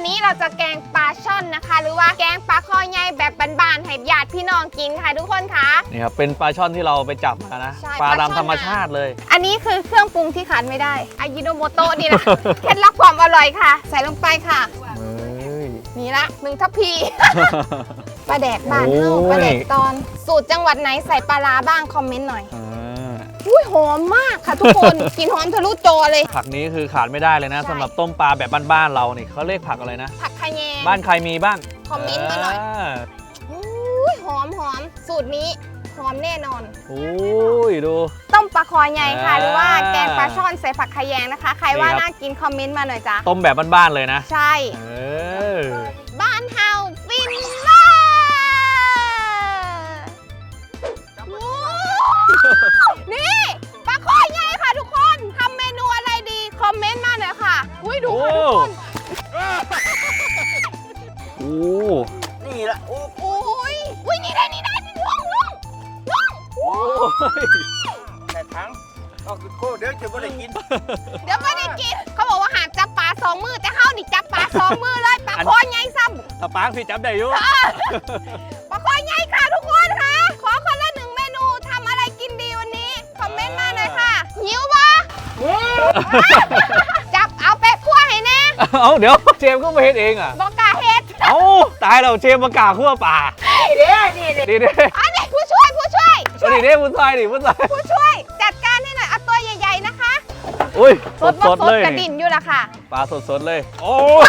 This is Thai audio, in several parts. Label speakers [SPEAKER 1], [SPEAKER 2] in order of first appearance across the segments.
[SPEAKER 1] นี้เราจะแกงปลาช่อนนะคะ หรือว่าแกงปลาคอใหญ่แบบบานๆให้ญาติพี่น้องกินค่ะทุกคนค่ะ
[SPEAKER 2] นี่ครับเป็นปลาช่อนที่เราไปจับมานะปลาตามธรรมชาติเลย
[SPEAKER 1] อันนี้คือเครื่องปรุงที่ขาดไม่ได้อายิโนโมโตะนี่แหละ เคล็ดลับความอร่อยค่ะใส่ลงไปค่ะนี่ละ1 ทัพพีปลาแดกบ้านเฮาปลาแดกตอนสูตรจังหวัดไหนใส่ปลาร้าบ้างคอมเมนต์หน่อยอุ้ยหอมมากค่ะทุกคน กลิ่นหอมทะลุจอเลย
[SPEAKER 2] ผักนี้คือขาดไม่ได้เลยนะสำหรับต้มปลาแบบบ้านๆเราเนี่ยเขาเรียกผักอะไรนะ
[SPEAKER 1] ผักขะแยง
[SPEAKER 2] บ้านใครมีบ้าง
[SPEAKER 1] คอมเมนต์มาหน่อยอุ้ยหอมสูตรนี้หอมแน่นอน
[SPEAKER 2] โอ้ยดู
[SPEAKER 1] ต้มปลาคอใหญ่ค่ะหรือว่าแกงปลาช่อนใส่ผักขะแยงนะคะใครว่าน่ากินคอมเมนต์มาหน่อยจ้ะ
[SPEAKER 2] ต้มแบบบ้านๆเลยนะ
[SPEAKER 1] ใช่บ้านเฮาฟินนี่ปลาคอใหญ่ค่ะทุกคนทำเมนูอะไรดีคอมเมนต์มาหน่อยค่ะอุ้ยดูค่ะทุกคน
[SPEAKER 2] โอ้
[SPEAKER 3] นี่ละโอ้
[SPEAKER 1] ยนี่ได้ลง
[SPEAKER 2] โอ้ย
[SPEAKER 3] แต่ทั้งก็คือโคเดี๋ยวจะไม่ได้กิน
[SPEAKER 1] เขาบอกว่าหามจับปลา2 มือแต่เฮานี่จับปลา2 มือเลยปลาคอใหญ่ซ้ำ
[SPEAKER 2] ตะปางพี่จับได้อยู่
[SPEAKER 1] ปลาคอใหญ่ค่ะทุกคนค่ะขอคนละ1 เมนูทำอะไรกินดีวันนี้คอมเมนต์มาหน่อยค่ะหิวปะจับเอาเป็ดคั่วให้แน่
[SPEAKER 2] เอาเดี๋ยวเจมก็มาเฮ็ดเองอ่ะ
[SPEAKER 1] บอกกาเฮ็ด
[SPEAKER 2] เอาตายเราเจมมากาคั่วป่า
[SPEAKER 1] นี่อันนี้ผู้ช่วย
[SPEAKER 2] ผู้ช่วย
[SPEAKER 1] จัดการให้หน่อยเอาตัวใหญ่ๆนะคะ
[SPEAKER 2] อุ้ยสด
[SPEAKER 1] เลยกระดิ่นอยู่ละค่ะ
[SPEAKER 2] ปลาสดเลยโอ้ย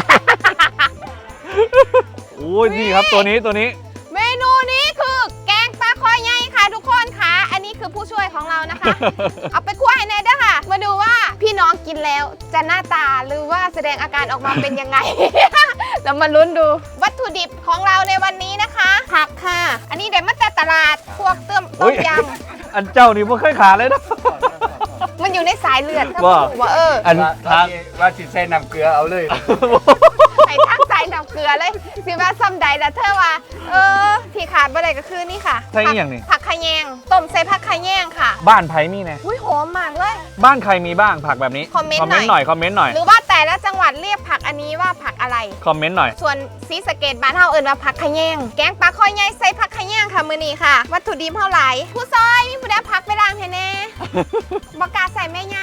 [SPEAKER 2] โอ้ยนี่ครับตัวนี้
[SPEAKER 1] เมนูนี้คือแกงปลาคอใหญ่ค่ะทุกคนค่ะอันนี้คือผู้ช่วยของเรานะคะเอาไปคั่วให้แน่ด้วยค่ะมาดูว่าพี่น้องกินแล้วจะหน้าตาหรือว่าแสดงอาการออกมาเป็นยังไง เรามาลุ้นดูวัตถุดิบของเราในวันนี้นะคะผักค่ะอันนี้เดี๋ยวมาแต่ตลาดพวกต้มยำ
[SPEAKER 2] อันเจ้านี่ไม่เคยขาดเลยนะ
[SPEAKER 1] มันอยู่ในสายเลือดถ้าบอกว่า
[SPEAKER 3] อันทางว่าสิใส่น้ำเกลือเอาเลย
[SPEAKER 1] ใส่ทั้งใส่น้ำเกลือเลยสิว่าซ้ำใดแต่เธอว่าที่ขาดบ่ได้ก็คือนี่ค่ะ
[SPEAKER 2] ใช่อย่างนี้
[SPEAKER 1] ผักขะแยงต้มใส่ผักขะแยงค่ะ
[SPEAKER 2] บ้านไผ่มีไง
[SPEAKER 1] อุ้ยหอมมากเลย
[SPEAKER 2] บ้านใครมีบ้างผักแบบนี้
[SPEAKER 1] คอมเมนต์หน่อยหรือว่าแต่ละจังหวัดเรียกผักอันนี้ว่าผักอะไร
[SPEAKER 2] คอมเมนต์หน่อย
[SPEAKER 1] ส่วนศรีสะเกษบ้านเฮาเอิ้นว่าผักขะแยงแกงปลาคอใหญ่ใส่ผักขะแยงค่ะมื้อนี้ค่ะวัตถุดิบเท่าไหร่ผู้ซอยมีผู้ใดผักไปล้างให้แน่บ่กล้าใส่แม่ย่า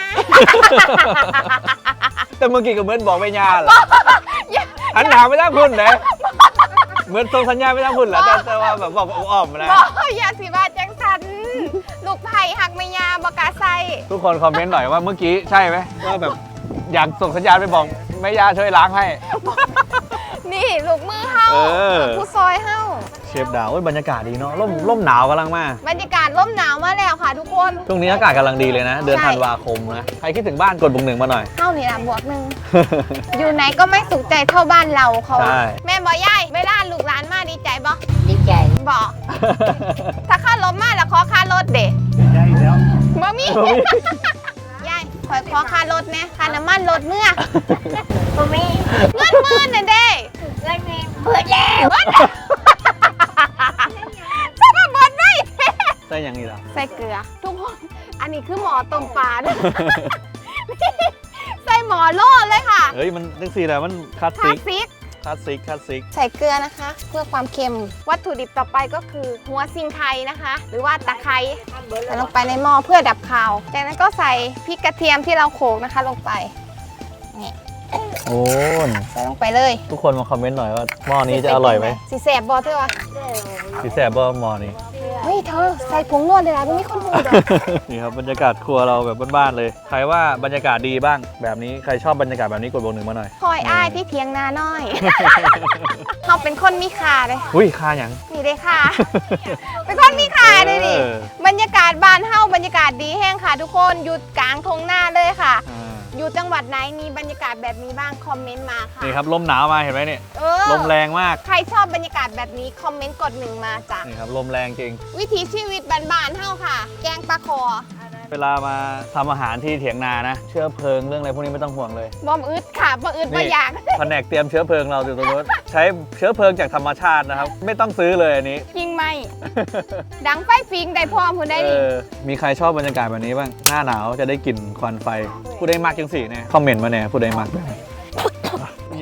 [SPEAKER 2] แต่เมื่อกี้ก็เหมือนบอกแม่ย่าแหละอันหนาไม่ต้องคุณเลยเหมือนส่งสัญญาณไม่ต้องคุณแหละแต่ว่าแบบบอกอ้อมนะ
[SPEAKER 1] บอกอย่าสิว่าจังสันลูกไผ่หักแม่ย่าบ่กล้าใส่
[SPEAKER 2] ทุกคนคอมเมนต์หน่อยว่าเมื่อกี้ใช่ไหมว่าแบบอยากส่งสัญญาณไปบอกแม่ย่าช่วยล้างให้
[SPEAKER 1] นี่ลูกมือเฮาผู้ซอยเฮา
[SPEAKER 2] เชฟดาวบรรยากาศดีเนาะร่มหนาวกำลังมา
[SPEAKER 1] บรรยากาศร่มหนาวมาแล้วค่ะทุกคน
[SPEAKER 2] ช่วงนี้อากาศกำลังดีเลยนะเดือนธันวาคมนะใครคิดถึงบ้านกดบวก 1มาหน่อย
[SPEAKER 1] เท่านี่ละบวก 1อยู่ไหนก็ไม่สุขใจเท่าบ้านเราเขาแม่บอกยายเวลาลูกหลานมาดีใจบ่
[SPEAKER 3] ดีใจ
[SPEAKER 1] บอกถ้าค่ารถมาแล้วขอค่ารถเด็
[SPEAKER 3] ได้แล้ว
[SPEAKER 1] บ่มียายขอค่ารถเนี่ยค่าน้ำมันรถเมื่อบ่มีเงินหมื่นเนี่ยเด้
[SPEAKER 3] เงินมีเบิดแล้ว
[SPEAKER 1] จะมาเบิดได้
[SPEAKER 2] ใส่ยังนี่ล่ะ
[SPEAKER 1] ใส่เกลือทุกคนอันนี้คือหมอต้มปลาใส่หมอโล่เลยค่ะ
[SPEAKER 2] เฮ้ยมันจังซี่แหละมันคลาสสิก
[SPEAKER 1] ใส่เกลือนะคะเพื่อความเค็มวัตถุดิบต่อไปก็คือหัวซิงไคนะคะ หรือว่าตะไคร้ใส่ลงไปในหม้อเพื่อดับคาวจากนั้นก็ใส่พริกกระเทียมที่เราโขลกนะคะลงไปนี่
[SPEAKER 2] โอ้
[SPEAKER 1] ใส่ลงไปเลย
[SPEAKER 2] ทุกคนมาคอมเมนต์หน่อยว่าหม้อนี้จะอร่อยไหม
[SPEAKER 1] สีแสบบอเธอวะ
[SPEAKER 2] สีแสบบอหม้อนี้
[SPEAKER 1] เฮ้ยเธอใส่ผงนวดเลยนะไม่มีคนพูด
[SPEAKER 2] นี่ครับบรรยากาศครัวเราแบบบ้านๆเลยใครว่าบรรยากาศดีบ้างแบบนี้ใครชอบบรรยากาศแบบนี้กดบวก 1มาหน่อย
[SPEAKER 1] คอยอ้ายที่เทียงนาน้อยเขาเป็นคนมีค่าเลย
[SPEAKER 2] อุ้ยค่าอย่าง
[SPEAKER 1] นี่ได้ค่ะเป็นคนมีค่าเลยดิบรรยากาศบ้านเฮาบรรยากาศดีแห้งค่ะทุกคนอยู่กลางทงหน้าเลยค่ะอยู่จังหวัดไหนมีบรรยากาศแบบนี้บ้างคอมเมนต์มาค่ะ
[SPEAKER 2] นี่ครับลมหนาวมาเห็นไหมเนี่ยลมแรงมาก
[SPEAKER 1] ใครชอบบรรยากาศแบบนี้คอมเมนต์กด 1มาจ้ะ
[SPEAKER 2] นี่ครับลมแรงจริง
[SPEAKER 1] วิถีชีวิตบ้านๆเฮาค่ะแกงปลาคอ
[SPEAKER 2] เวลามาทำอาหารที่เถียงนานะเชื้อเพลิงเรื่องอะไรพวกนี้ไม่ต้องห่วงเลย
[SPEAKER 1] บอมอึดค่ะบอมอึดบออยาก
[SPEAKER 2] แผนกเตรียมเชื้อเพลิงเราอยู่ตรงนู้นใช้เชื้อเพลิงจากธรรมชาตินะครับไม่ต้องซื้อเลยอันนี้
[SPEAKER 1] ยิงไหมดังไฟฟิงได้พร้อมคุณได้ดิ
[SPEAKER 2] มีใครชอบบรรยากาศแบบนี้บ้างหน้าหนาวจะได้กลิ่นควันไฟผู้ใดมักจังสี่เนี่ยคอมเมนต์มาเนี่ยผู้ใดมักแบบย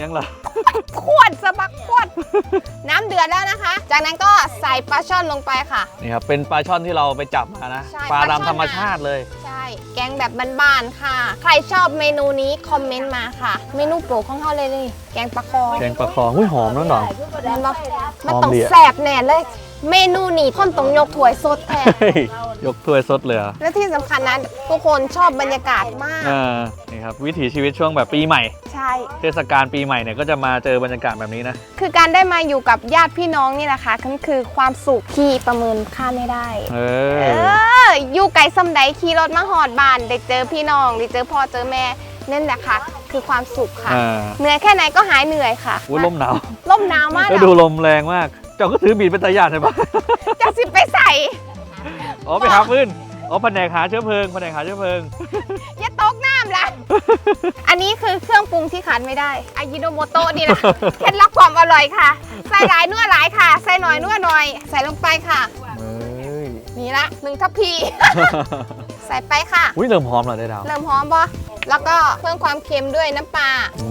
[SPEAKER 2] ยังล่ะ
[SPEAKER 1] ขวดสะบักขวด น้ำเดือดแล้วนะคะ จากนั้นก็ใส่ปลาช่อนลงไปค่ะ
[SPEAKER 2] นี่ครับเป็นปลาช่อนที่เราไปจับมานะ
[SPEAKER 1] ใช่
[SPEAKER 2] ปลา
[SPEAKER 1] ปลาช่อน
[SPEAKER 2] ดำธรรมชาติเลย
[SPEAKER 1] ใช่ แกงแบบบ้านๆค่ะ ใครชอบเมนูนี้คอมเมนต์มาค่ะ เมนูโปรดของเขาเลยนี่แกงปลาคอ
[SPEAKER 2] แกงปลาคอหุ้ยหอมน้องดอง
[SPEAKER 1] แม่นบ่มัน
[SPEAKER 2] หอม
[SPEAKER 1] ต้อง
[SPEAKER 2] ดีอะ
[SPEAKER 1] แสบแน่เลย เมนูนี้คนต้องยกถ้วยสดแทน
[SPEAKER 2] เฮ้ยยกถ้วยสดเลยเหรอ
[SPEAKER 1] และที่สำคัญนั้นทุกคนชอบบรรยากาศมาก
[SPEAKER 2] นี่ครับวิถีชีวิตช่วงแบบปีใหม่
[SPEAKER 1] ใช่
[SPEAKER 2] เทศกาลปีใหม่เนี่ยก็จะมาเจอบรรยากาศแบบนี้นะ
[SPEAKER 1] คือการได้มาอยู่กับญาติพี่น้องนี่แหละค่ะนั่นคือความสุขที่ประเมินค่าไม่ได้
[SPEAKER 2] เอ
[SPEAKER 1] เอ
[SPEAKER 2] อ
[SPEAKER 1] อยู่ไกลสำใดขี่รถมาหอดบ้านได้เจอพี่น้องได้เจอพ่อเจอแม่นั่นแหละค่ะ คือความสุขค่ะ เหนื่อยแค่ไหนก็หายเหนื่อยค่ะ
[SPEAKER 2] อุ้ยลมหนาว
[SPEAKER 1] ลมหนาวมาก
[SPEAKER 2] แล้วดูลมแรงมาก เจ้าก็ถือบีดเป็นตาญาติใช่ปะ
[SPEAKER 1] จะสิไปใส่
[SPEAKER 2] อ๋อไปหาฟืนอ๋อแผนกหาเชื้อเพลิงแผนกหาเชื้อเพลิง
[SPEAKER 1] อย่าตกน้ำละ อันนี้คือเครื่องปรุงที่ขาดไม่ได้อายิโนโมโตะนี่แหละ เคล็ดลับความอร่อยค่ะ ใส่หลายนัวหลายค่ะ ใส่หน่อยนัวหน่อย ใส่ลงไปค่ะ
[SPEAKER 2] เฮ้ย
[SPEAKER 1] นี่ละ1 ทัพพี ใส่ไปค่ะ
[SPEAKER 2] อุ้ยเริ่มหอมแล้วได้ดาว
[SPEAKER 1] เริ่มหอมปะแล้วก็เพิ่มความเค็มด้วยน้ำปลา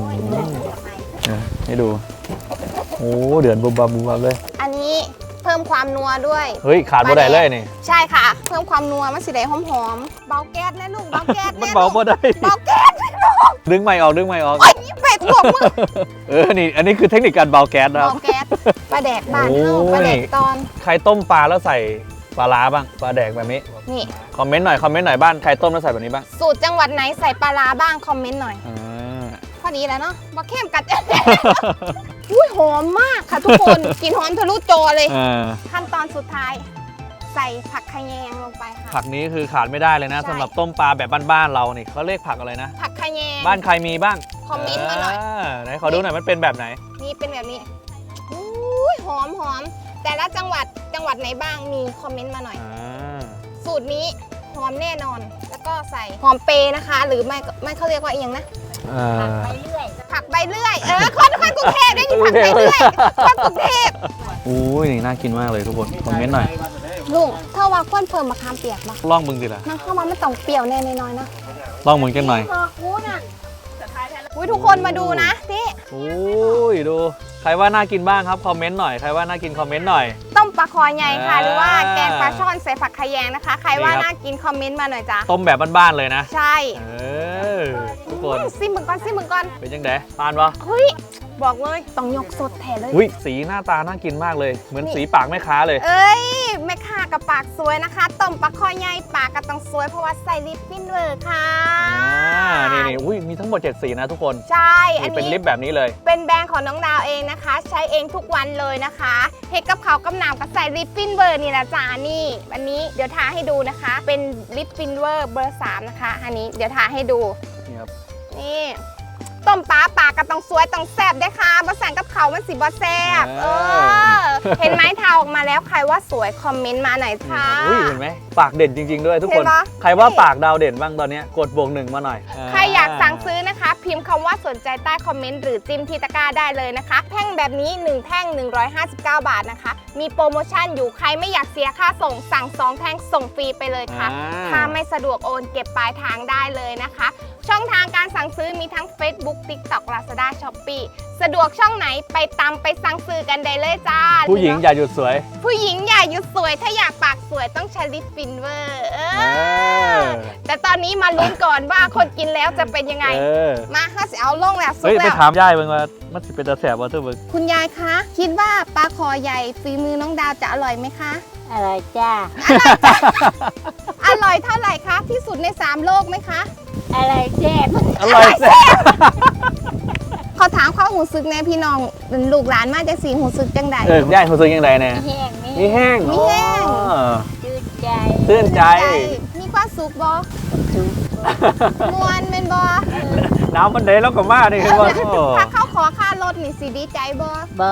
[SPEAKER 2] ให้ดู โอ้เดือดบุบบับบุบบับเลย
[SPEAKER 1] อันนี้เพิ่มความนัวด้วย
[SPEAKER 2] เฮ้ยขาดบ่ได้เลยนี่
[SPEAKER 1] ใช่ค่ะ เพิ่มความนัวมันสิได้หอมๆเบาแก๊สนะลูกเบาแก๊ส
[SPEAKER 2] มัน
[SPEAKER 1] แ
[SPEAKER 2] เบาบ่ได้
[SPEAKER 1] เบาแก๊ส
[SPEAKER 2] ดึงไม่ออกดึงไม่ออก
[SPEAKER 1] โอ้ยเป็ดหัวมือ
[SPEAKER 2] นี่อันนี้คือเทคนิคการเบาแก๊สนะครับ
[SPEAKER 1] เบาแก๊สปลาแดกบ้านเฮา
[SPEAKER 2] โอ้ย
[SPEAKER 1] ปลาแดกตอน
[SPEAKER 2] ใครต้มปลาแล้วใส่ปลาร้าบ้างปลาแดกแบบนี้
[SPEAKER 1] นี่
[SPEAKER 2] คอมเมนต์หน่อยบ้านใครต้มแล้วใส่แบบนี้บ้าง
[SPEAKER 1] สูตรจังหวัดไหนใส่ปลาร้าบ้างคอมเมนต์หน่อย
[SPEAKER 2] อ่า
[SPEAKER 1] พอดีแล้วเนาะบะเข้มกัด อุ้ยหอมมากค่ะทุกคน กลินหอมทะลุจอเลย ขั้นตอนสุดท้าย ใส่ผักขะแยงลงไปค่ะ
[SPEAKER 2] ผักนี้คือขาดไม่ได้เลยนะ
[SPEAKER 1] ใช่
[SPEAKER 2] สำหรับต้มปลาแบบบ้านๆเรานี่เขาเรียกผักอะไรนะ
[SPEAKER 1] ผักขะแยง
[SPEAKER 2] บ้านใครมีบ้าง
[SPEAKER 1] คอมเมนต์มาหน่อย
[SPEAKER 2] ไหนขอดูหน่อยมันเป็นแบบไหน
[SPEAKER 1] นี่เป็นแบบนี้อุ้ยหอมแต่ละจังหวัดไหนบ้างมีคอมเมนต์มาหน่อย สูตรนี้หอมแน่นอน แล้วก็ใส่หอมเปรย์นะคะ หรือไม่เขาเรียกว่าเอียงนะ ผักใบเลื่อย คนกรุงเทพได้ยินผักใบเลื่อยคนกรุงเทพ
[SPEAKER 2] อุ้ยนี่น่ากินมากเลยทุกคนคอมเมนต์หน่อย
[SPEAKER 1] ลุงถ้าว่าก้นเพิ่มมะขามเปียกบ่
[SPEAKER 2] ลองมึงสิล่ะ
[SPEAKER 1] น้ำเข้ามาไม่ต้องเปรี้ยวแน่น้อยๆนะ
[SPEAKER 2] ลองมึงกันหน่อย
[SPEAKER 1] อุ้ยทุกคนมาดูนะนี่
[SPEAKER 2] อุ้ยดูใครว่าน่ากินบ้างครับคอมเมนต์หน่อยใครว่าน่ากินคอมเมนต์หน่อย
[SPEAKER 1] ต้มปลาคอใหญ่ค่ะ
[SPEAKER 2] อ่า
[SPEAKER 1] หรือว่าแกงปลาช่อนใส่ผักขะแยงนะคะ ใครว่า
[SPEAKER 2] นี่ครับ
[SPEAKER 1] น่ากินคอมเมนต์มาหน่อยจ้ะ
[SPEAKER 2] ต้มแบบบ้านๆเลยนะ
[SPEAKER 1] ใช่
[SPEAKER 2] ทุกคน
[SPEAKER 1] ซิมมึงก่อน
[SPEAKER 2] เป็นยังไงทานปะ
[SPEAKER 1] เฮ้ยบอกเลยต้องยกสดแทนเลย
[SPEAKER 2] อุ้ยสีหน้าตาน่ากินมากเลย เหมือนสีปากแม่ค้าเลย
[SPEAKER 1] เอ้ยแม่ค้ากับปากสวยนะคะต้มปลาคอใหญ่ปากก็ต้องสวยเพราะว่าใส่ลิปฟินเวอร์ค่ะ
[SPEAKER 2] นี่อุ้ยมีทั้งหมด7สีนะทุกคน
[SPEAKER 1] ใช่อั
[SPEAKER 2] นี่
[SPEAKER 1] น
[SPEAKER 2] เป็น
[SPEAKER 1] นี้
[SPEAKER 2] ลิปแบบนี้เลย
[SPEAKER 1] เป็นแบรนด์ของน้องดาวเองนะคะ ใช้เองทุกวันเลยนะคะเฮ็ดกับเขาวกับน้ำกับใส่ลิปฟินเวอร์นี่นะจ๊ะนี่อันนี้เดี๋ยวทาให้ดูนะคะ เป็นลิปฟินเวอร์เบอร์3นะคะอันนี้เดี๋ยวทาให้ดู
[SPEAKER 2] นี่ครับ
[SPEAKER 1] นี่ต้มปลาปากก็ต้องสวยต้องแซ่บด้วยค่ะบะสั่งกับเขาวมันสิบะแซ่บเห็นไหมทาออกมาแล้วใครว่าสวยคอมเมนต์มาหน่อยค่ะ
[SPEAKER 2] อุ้ยเห็นไหมปากเด่นจริง ๆ ด้วยทุกคน
[SPEAKER 1] เห็นปะ
[SPEAKER 2] ใครว่าปากดาวเด่นบ้างตอนเนี้ยกดบวก1มาหน่อย
[SPEAKER 1] ใครอยากสั่งซื้อนะคะ พิมพ์คำว่าสนใจใต้คอมเมนต์หรือจิ้มที่ตะกร้าได้เลยนะคะ แท่งแบบนี้ 1 แท่ง 159 บาทนะคะ มีโปรโมชั่นอยู่ใครไม่อยากเสียค่าส่งสั่ง 2 แท่งส่งฟรีไปเลยค่ะ ถ้าไม่สะดวกโอนเก็บปลายทางได้เลยนะคะ ช่องทางการสั่งซื้อมีทั้ง Facebook TikTok Lazada Shopee สะดวกช่องไหนไปตามไปสั่งซื้อกันได้เลยจ้า
[SPEAKER 2] ผู้หญิงอย่าหยุดสวย
[SPEAKER 1] ผู้หญิงอย่าหยุดสวยถ้าอยากปากสวยต้องใช้ลิปฟินเวอร์แต่ตอนนี้มาลุ้นก่อนว่าคนกินแล้วจะเป็นยังไง มาข้าสิเอาลงแล้วสุ
[SPEAKER 2] เฮ้
[SPEAKER 1] ก
[SPEAKER 2] ยไป
[SPEAKER 1] แล้ว
[SPEAKER 2] ถามยายเบิ่งว่ามันสิเป็นตาแสบว่าเธอเบิ่ง
[SPEAKER 1] คุณยายคะ คิดว่าปลาคอใหญ่ฝีมือน้องดาวจะอร่อยไหมคะ
[SPEAKER 4] อร่อยจ้า
[SPEAKER 1] อร่อยเท่าไหร่คะที่สุดใน3โลกไหมคะ
[SPEAKER 4] อร่อยแซ่บ
[SPEAKER 2] อร่อยแซ่บ
[SPEAKER 1] ขอถามข้อหูซึกแน่พี่น้องลูกหลานมาจากสีหูซึกจังใด
[SPEAKER 2] ยายเขาซื้อยังไงเนี่ย
[SPEAKER 4] แห้งนี่
[SPEAKER 2] มีแห้ง
[SPEAKER 1] มีแห้ง
[SPEAKER 2] อ๋อ
[SPEAKER 4] ชื่นใจ
[SPEAKER 2] ชื่นใจ
[SPEAKER 1] มีความสุขบอ
[SPEAKER 4] สุข
[SPEAKER 1] มวนเป็นบอ
[SPEAKER 2] น้ำมันเดแล้วก็มาดิคือว่าโอ้
[SPEAKER 1] ถ้าเขาขอค่ารถนี่สิดีใจบอ
[SPEAKER 4] บ่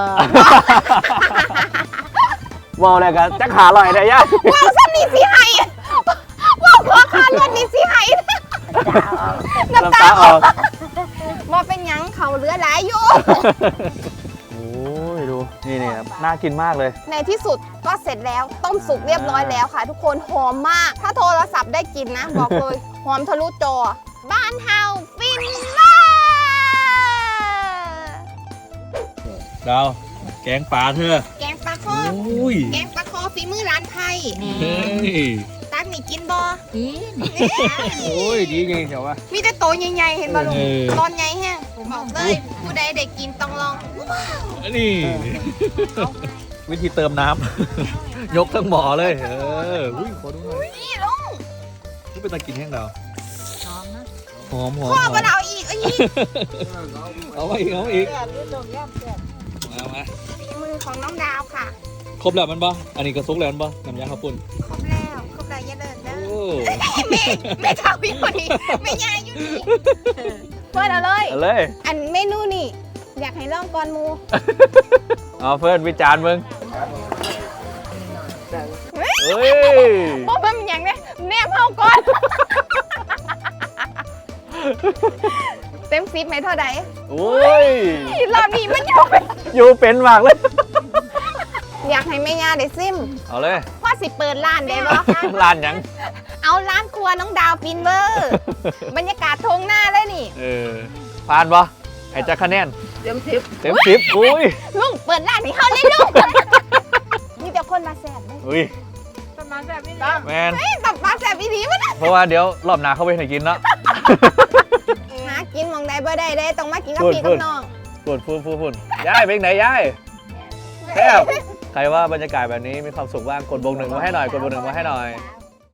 [SPEAKER 2] ว้าวอะไรกันจะขาลอยได้ยาย
[SPEAKER 1] ว้าวซ้ำนี่สิไห้ว้าวขอค่ารถนี่สิไห้น้ำตาออกบอเป็นหยังเขาเหลือหลายอยู่
[SPEAKER 2] โอ้ยดูนี่ครับน่ากินมากเลย
[SPEAKER 1] ในที่สุดก็เสร็จแล้วต้มสุกเรียบร้อยแล้วค่ะ ทุกคนหอมมาก ถ้าโทรศัพท์ได้กินนะ บอกเลย หอมทะลุจอ บ้านเฮาฟินเวอร์
[SPEAKER 2] ดาวแกงปลาเธอ
[SPEAKER 1] แกงปลาคอ
[SPEAKER 2] โอ้ย
[SPEAKER 1] แกงปลาคอฝีมือร้านไทย
[SPEAKER 2] เฮ้ย
[SPEAKER 1] ตักนี่กินบ่
[SPEAKER 4] กิน
[SPEAKER 3] โอ้ยดีไงเดี๋ยววะ
[SPEAKER 1] มีแต่โตใหญ่ๆเห็นบ่ลุง
[SPEAKER 2] เออ
[SPEAKER 1] ตอนใหญ่แฮงบอกเลยผู้ใดได้กินต้องลอง
[SPEAKER 2] นี่วิธีเติมน้ำ ยกทั้งหม้อเลยอุ้ยขอดูหน่อย
[SPEAKER 1] นี่ลุง
[SPEAKER 2] นี่เป็นตะกินแห้งดาว
[SPEAKER 4] หอมนะ
[SPEAKER 2] หอม
[SPEAKER 1] พ่อมาเอาอีกเอาอีก
[SPEAKER 2] เอามาอีกเอามาอีก
[SPEAKER 4] แซ่บหรือต้มยำแซ่บ
[SPEAKER 2] เอามา
[SPEAKER 1] ฝีมือของน้องดาวค่ะ
[SPEAKER 2] ครบแล้วมันบ่อันนี้ก็ซุกแล้วมันบ่น้ำยาข้าวปุ้น
[SPEAKER 1] ครบแล้วอย่าเดินเด้อ
[SPEAKER 2] โอ้
[SPEAKER 1] แม่เท่าพี่คนนี้ไม่ยายอยู่นี่เฟิร์นเอาเลย
[SPEAKER 2] เอาเลย
[SPEAKER 1] อันเมนูนี่อยากให้ลองก่อนหมู
[SPEAKER 2] เอาเฟิร์นวิจารณ์มึงเฮ้ย
[SPEAKER 1] บ่เป็นอย่างเนี้ยแนมเข้าก่อน เต็ม10ไหมเท่าใด
[SPEAKER 2] โอ้ย
[SPEAKER 1] รอบนี้มันอยู่เป็น
[SPEAKER 2] อยู่เป็นมากเลย
[SPEAKER 1] อยากให้แม่ย่าได้ซิม
[SPEAKER 2] เอาเลย
[SPEAKER 1] พ่อสิเปิดร้านได้บ่
[SPEAKER 2] ร้านหยัง
[SPEAKER 1] เอาร้านครัวน้องดาวฟินเวอร์ บรรยากาศทงหน้าเลยนี่
[SPEAKER 2] ผ่านบ่ให้จักคะแนน
[SPEAKER 4] เต็มสิบ
[SPEAKER 2] เต็ม10อุ้ย
[SPEAKER 1] ลุงเปิดร้านให้เขาเลยลุง มีแต่คนมาแสบเลย
[SPEAKER 2] อุ้ย
[SPEAKER 4] ประมาณแบบนี้
[SPEAKER 2] แมน
[SPEAKER 1] เฮ้ยตับปลาแสบอีดีวะนะ
[SPEAKER 2] เพราะว่าเดี๋ยวรอบหน้าเข้าไปให้กินเนาะ
[SPEAKER 1] หากินหมองใดบ่ได้เด้ต้องมากินกับ
[SPEAKER 2] พูด
[SPEAKER 1] พี่
[SPEAKER 2] พู
[SPEAKER 1] กั
[SPEAKER 2] ด
[SPEAKER 1] บน้อง
[SPEAKER 2] พูดย้ายไปไหนย้ายแซ่บใครว่าบรรยากาศแบบนี้มีความสุขบ้างกดบวกหนึ่งมาให้หน่อยกดบวกหนึ่งมาให้หน่อย
[SPEAKER 4] ว